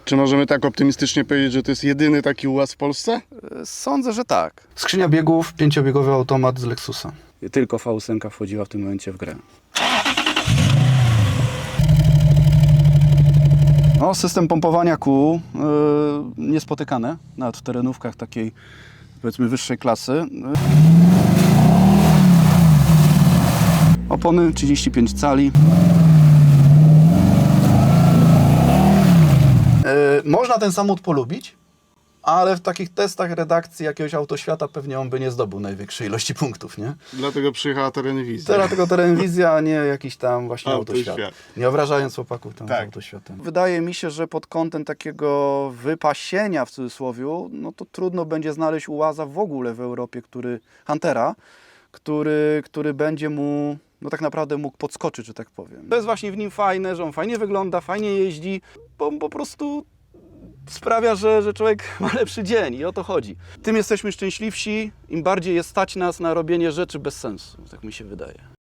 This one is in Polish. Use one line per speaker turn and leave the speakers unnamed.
Czy możemy tak optymistycznie powiedzieć, że to jest jedyny taki UAZ w Polsce?
Sądzę, że tak.
Skrzynia biegów, 5-biegowy automat z Lexusa.
Tylko V8 wchodziła w tym momencie w grę. No, system pompowania kół niespotykany, nawet w terenówkach takiej, powiedzmy, wyższej klasy. Opony 35 cali.
Można ten samochód polubić, ale w takich testach redakcji jakiegoś Autoświata pewnie on by nie zdobył największej ilości punktów, nie?
Dlatego przyjechała terenwizja.
Teraz tylko Terenwizja, a nie jakiś tam właśnie
Autoświat.
Autoświat. Nie obrażając chłopaków tam
Tak.
z Autoświatem.
Wydaje mi się, że pod kątem takiego wypasienia w cudzysłowie, no to trudno będzie znaleźć UAZa w ogóle w Europie, Huntera, który będzie mu, no tak naprawdę mógł podskoczyć, że tak powiem. To jest właśnie w nim fajne, że on fajnie wygląda, fajnie jeździ, bo po prostu sprawia, że człowiek ma lepszy dzień i o to chodzi. Tym jesteśmy szczęśliwsi, im bardziej jest stać nas na robienie rzeczy bez sensu, tak mi się wydaje.